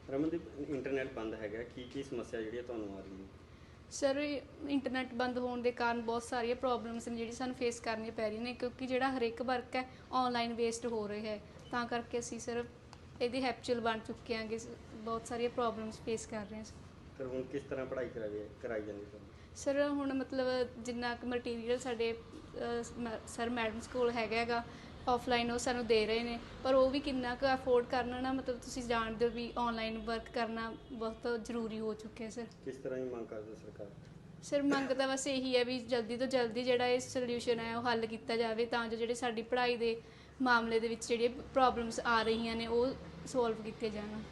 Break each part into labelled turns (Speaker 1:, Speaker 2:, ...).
Speaker 1: Ramandeep, internet ਬੰਦ ਹੈਗਾ, ਕੀ ਸਮੱਸਿਆ ਜਿਹੜੀ ਤੁਹਾਨੂੰ ਆ ਰਹੀ ਹੈ?
Speaker 2: ਸਰ, ਇੰਟਰਨੈਟ ਬੰਦ ਹੋਣ ਦੇ ਕਾਰਨ ਬਹੁਤ ਸਾਰੀਆਂ ਪ੍ਰੋਬਲਮਸ ਨੇ ਜਿਹੜੀ ਸਾਨੂੰ ਫੇਸ ਕਰਨੀਆਂ ਪੈ ਰਹੀਆਂ ਨੇ, ਕਿਉਂਕਿ ਜਿਹੜਾ ਹਰੇਕ ਵਰਕ ਹੈ ਆਨਲਾਈਨ ਬੇਸਡ ਹੋ ਰਿਹਾ ਹੈ। ਤਾਂ ਕਰਕੇ ਅਸੀਂ ਸਰ ਇਹਦੇ ਹੈਪਚੁਅਲ ਬਣ ਚੁੱਕੇ ਹਾਂਗੇ, ਬਹੁਤ ਸਾਰੀਆਂ ਪ੍ਰੋਬਲਮਸ ਫੇਸ ਕਰ ਰਹੇ ਹਾਂ।
Speaker 1: ਫਿਰ ਹੁਣ ਕਿਸ ਤਰ੍ਹਾਂ ਪੜ੍ਹਾਈ ਕਰਾਈ ਜਾਂਦੀ ਤੁਹਾਨੂੰ?
Speaker 2: ਸਰ ਹੁਣ ਮਤਲਬ ਜਿੰਨਾ ਕੁ ਮਟੀਰੀਅਲ ਸਾਡੇ ਸਰ ਮੈਡਮ ਸਕੂਲ ਹੈਗਾ ਆਫਲਾਈਨ ਉਹ ਸਾਨੂੰ ਦੇ ਰਹੇ ਨੇ, ਪਰ ਉਹ ਵੀ ਕਿੰਨਾ ਕੁ ਅਫੋਰਡ ਕਰਨਾ ਨਾ, ਮਤਲਬ ਤੁਸੀਂ ਜਾਣਦੇ ਹੋ ਵੀ ਆਨਲਾਈਨ ਵਰਕ ਕਰਨਾ ਬਹੁਤ ਜ਼ਰੂਰੀ ਹੋ ਚੁੱਕਿਆ ਸਰ।
Speaker 1: ਕਿਸ ਤਰ੍ਹਾਂ ਦੀ ਮੰਗ ਕਰਦੇ ਸਰਕਾਰ?
Speaker 2: ਸਰ ਮੰਗ ਤਾਂ ਬਸ ਇਹੀ ਹੈ ਵੀ ਜਲਦੀ ਤੋਂ ਜਲਦੀ ਜਿਹੜਾ ਇਹ ਸੋਲਿਊਸ਼ਨ ਹੈ ਉਹ ਹੱਲ ਕੀਤਾ ਜਾਵੇ, ਤਾਂ ਜੋ ਜਿਹੜੇ ਸਾਡੀ ਪੜ੍ਹਾਈ ਦੇ ਮਾਮਲੇ ਦੇ ਵਿੱਚ ਜਿਹੜੀਆਂ ਪ੍ਰੋਬਲਮਸ ਆ ਰਹੀਆਂ ਨੇ ਉਹ ਸੋਲਵ ਕੀਤੀਆਂ ਜਾਣ।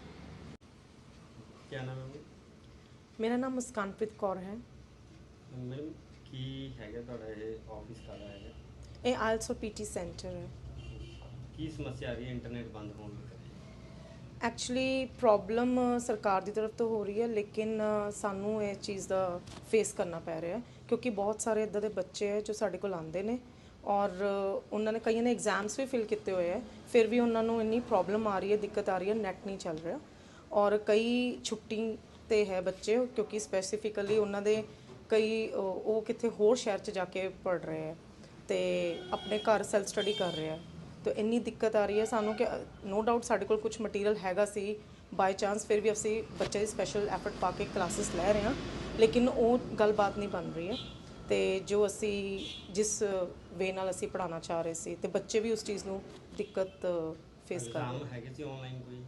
Speaker 1: ਕੀ ਨਾਮ ਹੈ?
Speaker 3: ਮੇਰਾ ਨਾਮ ਮੁਸਕਾਨਪ੍ਰੀਤ ਕੌਰ ਹੈ।
Speaker 1: ਮੈਡਮ, ਕੀ ਹੈਗਾ ਤੁਹਾਡਾ ਇਹ ਆਫਿਸ ਕਾਹਦਾ ਹੈਗਾ?
Speaker 3: ਇਹ ਆਇਲਸ ਪੀਟੀ ਸੈਂਟਰ ਹੈ।
Speaker 1: ਕੀ ਸਮੱਸਿਆ ਆ ਰਹੀ ਹੈ ਇੰਟਰਨੈਟ ਬੰਦ ਹੋਣ ਦੀ?
Speaker 3: ਐਕਚੁਅਲੀ ਪ੍ਰੋਬਲਮ ਸਰਕਾਰ ਦੀ ਤਰਫ ਤੋਂ ਹੋ ਰਹੀ ਹੈ, ਲੇਕਿਨ ਸਾਨੂੰ ਇਹ ਚੀਜ਼ ਦਾ ਫੇਸ ਕਰਨਾ ਪੈ ਰਿਹਾ ਕਿਉਂਕਿ ਬਹੁਤ ਸਾਰੇ ਇੱਦਾਂ ਦੇ ਬੱਚੇ ਹੈ ਜੋ ਸਾਡੇ ਕੋਲ ਆਉਂਦੇ ਨੇ ਔਰ ਉਹਨਾਂ ਨੇ ਕਈਆਂ ਨੇ ਐਗਜ਼ਾਮਸ ਵੀ ਫਿਲ ਕੀਤੇ ਹੋਏ ਹੈ, ਫਿਰ ਵੀ ਉਹਨਾਂ ਨੂੰ ਇੰਨੀ ਪ੍ਰੋਬਲਮ ਆ ਰਹੀ ਹੈ, ਦਿੱਕਤ ਆ ਰਹੀ ਹੈ, ਨੈਟ ਨਹੀਂ ਚੱਲ ਰਿਹਾ। ਔਰ ਕਈ ਛੁੱਟੀ 'ਤੇ ਹੈ ਬੱਚੇ, ਕਿਉਂਕਿ ਸਪੈਸੀਫਿਕਲੀ ਉਹਨਾਂ ਦੇ ਕਈ ਉਹ ਕਿਤੇ ਹੋਰ ਸ਼ਹਿਰ 'ਚ ਜਾ ਕੇ ਪੜ੍ਹ ਰਹੇ ਹੈ ਅਤੇ ਆਪਣੇ ਘਰ ਸੈਲਫ ਸਟੱਡੀ ਕਰ ਰਹੇ ਹੈ। ਤਾਂ ਇੰਨੀ ਦਿੱਕਤ ਆ ਰਹੀ ਹੈ ਸਾਨੂੰ ਕਿ ਨੋ ਡਾਊਟ ਸਾਡੇ ਕੋਲ ਕੁਝ ਮਟੀਰੀਅਲ ਹੈਗਾ ਸੀ ਬਾਈ ਚਾਂਸ, ਫਿਰ ਵੀ ਅਸੀਂ ਬੱਚੇ ਦੀ ਸਪੈਸ਼ਲ ਐਫਰਟ ਪਾ ਕੇ ਕਲਾਸਿਸ ਲੈ ਰਹੇ ਹਾਂ, ਲੇਕਿਨ ਉਹ ਗੱਲਬਾਤ ਨਹੀਂ ਬਣ ਰਹੀ ਹੈ। ਅਤੇ ਜੋ ਅਸੀਂ ਜਿਸ ਵੇ ਨਾਲ ਅਸੀਂ ਪੜ੍ਹਾਉਣਾ ਚਾਹ ਰਹੇ ਸੀ ਅਤੇ ਬੱਚੇ ਵੀ ਉਸ ਚੀਜ਼ ਨੂੰ ਦਿੱਕਤ ਫੇਸ ਕਰ ਰਹੇ
Speaker 1: ਹੈਗੇ ਸੀ ਆਨਲਾਈਨ ਕੋਈ?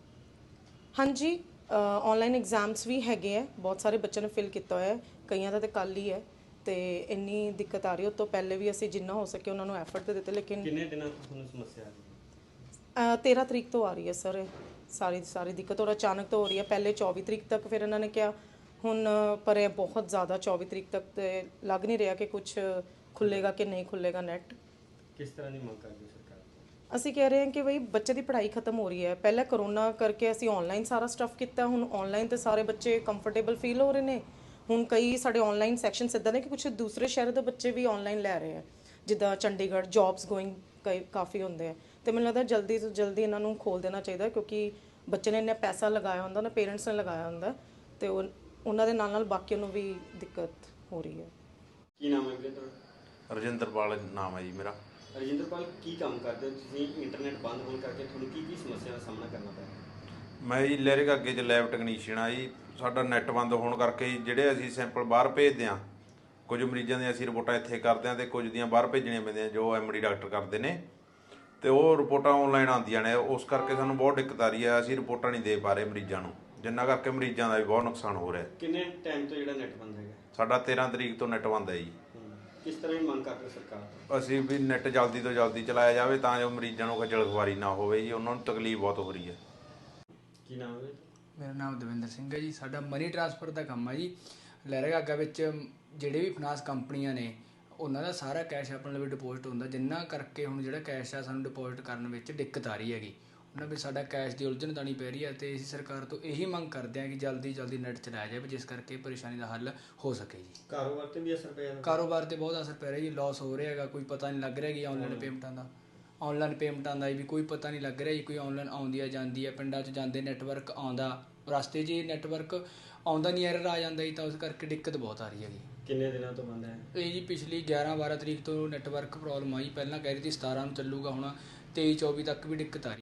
Speaker 3: ਹਾਂਜੀ, ਆਨਲਾਈਨ ਐਗਜ਼ਾਮਸ ਵੀ ਹੈਗੇ ਹੈ, ਬਹੁਤ ਸਾਰੇ ਬੱਚਿਆਂ ਨੇ ਫਿਲ ਕੀਤਾ ਹੋਇਆ ਹੈ, ਕਈਆਂ ਦਾ ਤਾਂ ਕੱਲ੍ਹ ਹੀ ਹੈ। ਅਤੇ ਇੰਨੀ ਦਿੱਕਤ ਆ ਰਹੀ, ਉਹ ਤੋਂ ਪਹਿਲੇ ਵੀ ਅਸੀਂ ਜਿੰਨਾ ਹੋ ਸਕੇ ਉਹਨਾਂ ਨੂੰ ਐਫਰਟ ਤਾਂ ਦਿੱਤੇ, ਲੇਕਿਨ
Speaker 1: ਕਿੰਨੇ ਦਿਨਾਂ ਤੋਂ ਤੁਹਾਨੂੰ ਸਮੱਸਿਆ ਆ ਰਹੀ ਹੈ?
Speaker 3: 13 ਤਰੀਕ ਤੋਂ ਆ ਰਹੀ ਹੈ ਸਰ ਸਾਰੀ ਦਿੱਕਤ, ਔਰ ਅਚਾਨਕ ਤੋਂ ਹੋ ਰਹੀ ਹੈ। ਪਹਿਲੇ 24 ਤਰੀਕ ਤੱਕ, ਫਿਰ ਇਹਨਾਂ ਨੇ ਕਿਹਾ ਹੁਣ ਪਰ ਇਹ ਬਹੁਤ ਜ਼ਿਆਦਾ 24 ਤਰੀਕ ਤੱਕ ਤੇ ਲੱਗ ਨਹੀਂ ਰਿਹਾ ਕਿ ਕੁਝ ਖੁੱਲ੍ਹੇਗਾ ਕਿ ਨਹੀਂ ਖੁੱਲ੍ਹੇਗਾ ਨੈਟ।
Speaker 1: ਕਿਸ ਤਰ੍ਹਾਂ ਦੀ ਮੰਗ ਕਰਦੇ ਸਰਕਾਰ ਤੋਂ?
Speaker 3: ਅਸੀਂ ਕਹਿ ਰਹੇ ਹਾਂ ਕਿ ਬਈ ਬੱਚੇ ਦੀ ਪੜ੍ਹਾਈ ਖਤਮ ਹੋ ਰਹੀ ਹੈ। ਪਹਿਲਾਂ ਕਰੋਨਾ ਕਰਕੇ ਅਸੀਂ ਆਨਲਾਈਨ ਸਾਰਾ ਸਟੱਫ ਕੀਤਾ, ਹੁਣ ਆਨਲਾਈਨ ਤੇ ਸਾਰੇ ਬੱਚੇ ਕੰਫਰਟੇਬਲ ਫੀਲ ਹੋ ਰਹੇ ਨੇ। ਹੁਣ ਕਈ ਸਾਡੇ ਆਨਲਾਈਨ ਸੈਕਸ਼ਨਸ ਇੱਦਾਂ ਨੇ ਕਿ ਕੁਝ ਦੂਸਰੇ ਸ਼ਹਿਰ ਦੇ ਬੱਚੇ ਵੀ ਆਨਲਾਈਨ ਲੈ ਰਹੇ ਆ, ਜਿੱਦਾਂ ਚੰਡੀਗੜ੍ਹ ਜੌਬਸ ਗੋਇੰਗ ਕਾਫੀ ਹੁੰਦੇ ਆ। ਅਤੇ ਮੈਨੂੰ ਲੱਗਦਾ ਜਲਦੀ ਤੋਂ ਜਲਦੀ ਇਹਨਾਂ ਨੂੰ ਖੋਲ੍ਹ ਦੇਣਾ ਚਾਹੀਦਾ, ਕਿਉਂਕਿ ਬੱਚੇ ਨੇ ਇੰਨਾ ਪੈਸਾ ਲਗਾਇਆ ਹੁੰਦਾ ਨਾ, ਪੇਰੈਂਟਸ ਨੇ ਲਗਾਇਆ ਹੁੰਦਾ, ਅਤੇ ਉਹਨਾਂ ਦੇ ਨਾਲ ਨਾਲ ਬਾਕੀਆਂ ਨੂੰ ਵੀ ਦਿੱਕਤ ਹੋ ਰਹੀ ਹੈ।
Speaker 1: ਕੀ ਨਾਮ ਹੈ ਵੀਰੇ ਤੁਹਾਡਾ?
Speaker 4: ਰਜਿੰਦਰਪਾਲ ਨਾਮ ਹੈ ਜੀ ਮੇਰਾ।
Speaker 1: ਰਜਿੰਦਰਪਾਲ, ਕੀ ਕੰਮ ਕਰਦੇ ਹੋ ਤੁਸੀਂ? ਇੰਟਰਨੈਟ ਬੰਦ ਹੋਣ ਕਰਕੇ ਤੁਹਾਨੂੰ ਕੀ ਸਮੱਸਿਆ ਦਾ ਸਾਹਮਣਾ ਕਰਨਾ ਪਿਆ?
Speaker 4: ਮੈਂ ਜੀ ਲਹਿਰੇ ਅੱਗੇ 'ਚ ਲੈਬ ਟੈਕਨੀਸ਼ੀਅਨ ਆ ਜੀ। ਸਾਡਾ ਨੈੱਟ ਬੰਦ ਹੋਣ ਕਰਕੇ ਜਿਹੜੇ ਅਸੀਂ ਸੈਂਪਲ ਬਾਹਰ ਭੇਜਦੇ ਹਾਂ, ਕੁਝ ਮਰੀਜ਼ਾਂ ਦੀਆਂ ਅਸੀਂ ਰਿਪੋਰਟਾਂ ਇੱਥੇ ਕਰਦੇ ਹਾਂ ਅਤੇ ਕੁਝ ਦੀਆਂ ਬਾਹਰ ਭੇਜਣੀਆਂ ਪੈਂਦੀਆਂ ਜੋ ਐਮਡੀ ਡਾਕਟਰ ਕਰਦੇ ਨੇ, ਅਤੇ ਉਹ ਰਿਪੋਰਟਾਂ ਆਨਲਾਈਨ ਆਉਂਦੀਆਂ ਨੇ। ਉਸ ਕਰਕੇ ਸਾਨੂੰ ਬਹੁਤ ਦਿੱਕਤ ਆ ਰਹੀ ਹੈ, ਅਸੀਂ ਰਿਪੋਰਟਾਂ ਨਹੀਂ ਦੇ ਪਾ ਰਹੇ ਮਰੀਜ਼ਾਂ ਨੂੰ, ਜਿੰਨਾ ਕਰਕੇ ਮਰੀਜ਼ਾਂ ਦਾ ਵੀ ਬਹੁਤ ਨੁਕਸਾਨ ਹੋ ਰਿਹਾ।
Speaker 1: ਕਿੰਨੇ ਟਾਈਮ ਤੋਂ ਜਿਹੜਾ ਨੈਟ ਬੰਦ ਹੈਗਾ?
Speaker 4: ਸਾਡਾ 13 ਤਰੀਕ ਤੋਂ ਨੈੱਟ ਬੰਦ ਹੈ ਜੀ।
Speaker 1: ਕਿਸ ਤਰ੍ਹਾਂ ਦੀ ਮੰਗ ਕਰਦੇ ਸਰਕਾਰ ਤੋਂ?
Speaker 4: ਅਸੀਂ ਵੀ ਨੈੱਟ ਜਲਦੀ ਤੋਂ ਜਲਦੀ ਚਲਾਇਆ ਜਾਵੇ ਤਾਂ ਜੋ ਮਰੀਜ਼ਾਂ ਨੂੰ ਖੱਜਲ ਖੁਆਰੀ ਨਾ ਹੋਵੇ ਜੀ, ਉਹਨਾਂ ਨੂੰ ਤਕਲੀਫ ਬਹੁਤ ਹੋ ਰਹੀ ਹੈ।
Speaker 1: ਕੀ ਨਾਮ ਹੈ?
Speaker 5: ਮੇਰਾ ਨਾਮ ਦਵਿੰਦਰ ਸਿੰਘ ਹੈ ਜੀ। ਸਾਡਾ ਮਨੀ ਟ੍ਰਾਂਸਫਰ ਦਾ ਕੰਮ ਹੈ ਜੀ। ਲਹਿਰਾਗਾਗਾ ਵਿੱਚ ਜਿਹੜੇ ਵੀ ਫਾਈਨਾਂਸ ਕੰਪਨੀਆਂ ਨੇ ਉਹਨਾਂ ਦਾ ਸਾਰਾ ਕੈਸ਼ ਆਪਣੇ ਲਈ ਡਿਪੋਜ਼ਿਟ ਹੁੰਦਾ, ਜਿੰਨਾ ਕਰਕੇ ਹੁਣ ਜਿਹੜਾ ਕੈਸ਼ ਆ ਸਾਨੂੰ ਡਿਪੋਜ਼ਿਟ ਕਰਨ ਵਿੱਚ ਦਿੱਕਤ ਆ ਰਹੀ ਹੈਗੀ। ਉਹਨਾਂ ਵਿੱਚ ਸਾਡਾ ਕੈਸ਼ ਦੀ ਉਲਝਣ ਤਾਣੀ ਪੈ ਰਹੀ ਹੈ, ਅਤੇ ਅਸੀਂ ਸਰਕਾਰ ਤੋਂ ਇਹੀ ਮੰਗ ਕਰਦੇ ਹਾਂ ਕਿ ਜਲਦੀ ਜਲਦੀ ਨੈੱਟ ਚਲਾਇਆ ਜਾਵੇ, ਜਿਸ ਕਰਕੇ ਪਰੇਸ਼ਾਨੀ ਦਾ ਹੱਲ ਹੋ ਸਕੇ ਜੀ।
Speaker 1: ਕਾਰੋਬਾਰ 'ਤੇ ਵੀ ਅਸਰ ਪਿਆ?
Speaker 5: ਕਾਰੋਬਾਰ 'ਤੇ ਬਹੁਤ ਅਸਰ ਪੈ ਰਿਹਾ ਜੀ, ਲੋਸ ਹੋ ਰਿਹਾ ਹੈਗਾ, ਕੋਈ ਪਤਾ ਨਹੀਂ ਲੱਗ ਰਿਹਾ ਕਿ ਆਨਲਾਈਨ ਪੇਮੈਂਟਾਂ ਦਾ ਵੀ ਕੋਈ ਪਤਾ ਨਹੀਂ ਲੱਗ ਰਿਹਾ ਜੀ। ਕੋਈ ਆਨਲਾਈਨ ਆਉਂਦੀ ਆ ਜਾਂਦੀ ਹੈ, ਪਿੰਡਾਂ 'ਚ ਜਾਂਦੇ ਨੈਟਵਰਕ ਆਉਂਦਾ, ਰਸਤੇ 'ਚ ਹੀ ਨੈਟਵਰਕ ਆਉਂਦਾ ਨਹੀਂ, ਐਰਰ ਆ ਜਾਂਦਾ ਜੀ, ਤਾਂ ਉਸ ਕਰਕੇ ਦਿੱਕਤ ਬਹੁਤ ਆ ਰਹੀ ਹੈਗੀ।
Speaker 1: ਕਿੰਨੇ ਦਿਨਾਂ ਤੋਂ ਬੰਦ ਹੈ
Speaker 5: ਇਹ ਜੀ? ਪਿਛਲੀ 11-12 ਤਰੀਕ ਤੋਂ ਨੈਟਵਰਕ ਪ੍ਰੋਬਲਮ ਆਈ, ਪਹਿਲਾਂ ਕਹਿ ਰਹੀ ਸੀ 17 ਨੂੰ ਚੱਲੂਗਾ, ਹੁਣ 23-24 ਤੱਕ ਵੀ ਦਿੱਕਤ ਆ ਰਹੀ।